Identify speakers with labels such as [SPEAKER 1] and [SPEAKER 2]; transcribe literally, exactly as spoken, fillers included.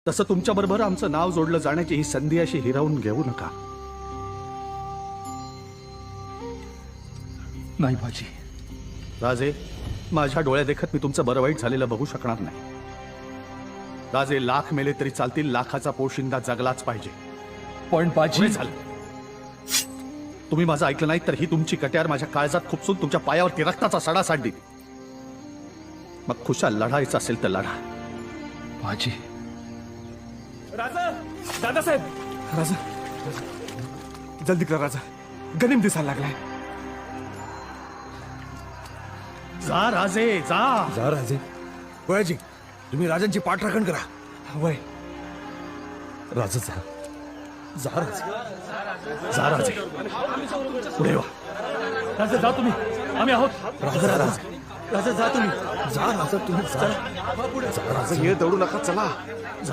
[SPEAKER 1] तसं तुमच्याबरोबर आमचं नाव जोडलं जाण्याची ही संधी अशी हिरावून घेऊ नका.
[SPEAKER 2] नाही बाजी.
[SPEAKER 1] राजे, माझ्या डोळ्या देखत मी तुमचं बरं वाईट झालेलं बघू शकणार नाही. राजे, लाख मेले तरी चालतील, लाखाचा पोशिंदा जगलाच पाहिजे.
[SPEAKER 2] पण बाजी
[SPEAKER 1] झालं. तुम्ही माझं ऐकलं नाही तर ही तुमची कट्यार माझ्या काळजात खुपसून तुमच्या पायावरती रक्ताचा सडा साडली. मग खुशाल लढायचं असेल तर लढा.
[SPEAKER 2] बाजी.
[SPEAKER 3] राजा, दादासाहेब, राजा, जल्दी करा राजा, गनिम दिसायला लागलाय.
[SPEAKER 1] जा राजे, जा.
[SPEAKER 4] जा राजे. वयाजी, तुम्ही राजांची पाठराखण करा.
[SPEAKER 3] वय
[SPEAKER 4] राजा जा. जा राजे.
[SPEAKER 1] जा राजे, पुढे वा.
[SPEAKER 2] राजा जा तुम्ही, आम्ही आहोत.
[SPEAKER 4] राजा राजा
[SPEAKER 3] राजा जा तुम्ही.
[SPEAKER 4] जा राजा तुम्ही जा.
[SPEAKER 3] राजा ये दौडू नका, चला.